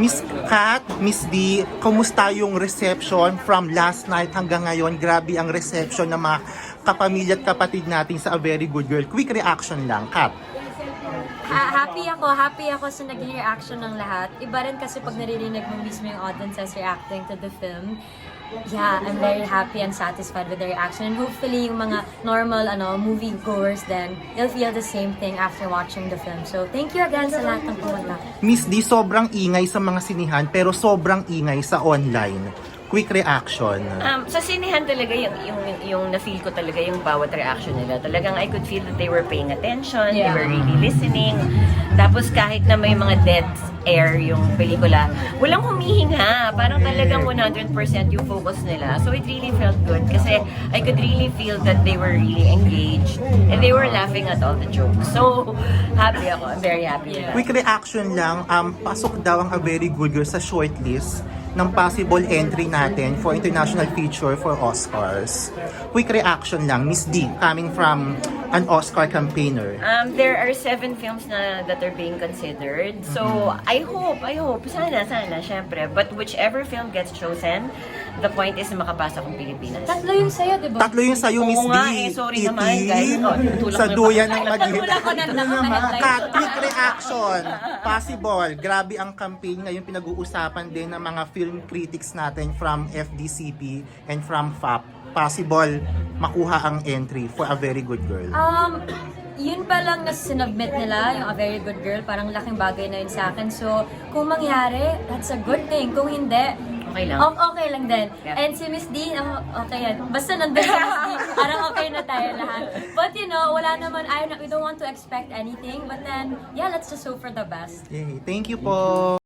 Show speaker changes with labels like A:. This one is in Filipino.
A: Miss Kat, Miss D, kumusta yung reception from last night hanggang ngayon? Grabe ang reception ng mga kapamilya at kapatid natin sa A Very Good Girl. Quick reaction lang, Kat.
B: Happy ako sa naging reaction ng lahat. Iba rin kasi pag naririnig mo mismo yung audiences reacting to the film. Yeah, I'm very happy and satisfied with the reaction. And hopefully, yung mga normal movie goers then, they'll feel the same thing after watching the film. So, thank you again sa lahat ng pumunta.
A: Miss D, sobrang ingay sa mga sinihan pero sobrang ingay sa online. Quick reaction.
C: Sa sinehan talaga yung na-feel ko talaga yung bawat reaction nila. Talagang I could feel that they were paying attention, they were really listening. Tapos kahit na may mga dead air yung pelikula, walang humihinga. Parang talagang 100% yung focus nila. So it really felt good kasi I could really feel that they were really engaged and they were laughing at all the jokes. So happy ako. I'm very happy with that.
A: Quick reaction lang, pasok daw ang A Very Good Girl sa shortlist ng possible entry natin for international feature for Oscars. Quick reaction lang, Miss D, coming from an Oscar campaigner.
C: There are 7 films that are being considered. So, I hope, sana, syempre. But whichever film gets chosen, the point is na makapasok ang Pilipinas.
B: Tatlo yung sa'yo, di ba?
A: Tatlo yung sa'yo, Miss
C: Oo
A: D.
C: nga, sorry naman, guys. Tulak
A: Sa
C: mo
A: duyan
C: pa.
A: ng Madrid.
B: Tulak ko na naman.
A: Kat, quick reaction. Possible. Grabe ang campaign ngayon pinag-uusapan din ng mga film critics natin from FDCP and from FAP. Possible makuha ang entry for A Very Good Girl.
B: Yun pa lang na sinubmit nila, yung A Very Good Girl, parang laking bagay na yun sa akin. So, kung mangyari, that's a good thing. Kung hindi,
C: Okay lang.
B: Okay lang din.
C: Yeah.
B: And si Miss D, okay yan. Basta nandun si Miss D, parang okay na tayo lahat. But wala naman, we don't want to expect anything. But then, yeah, let's just hope for the best.
A: Yay. Thank you po.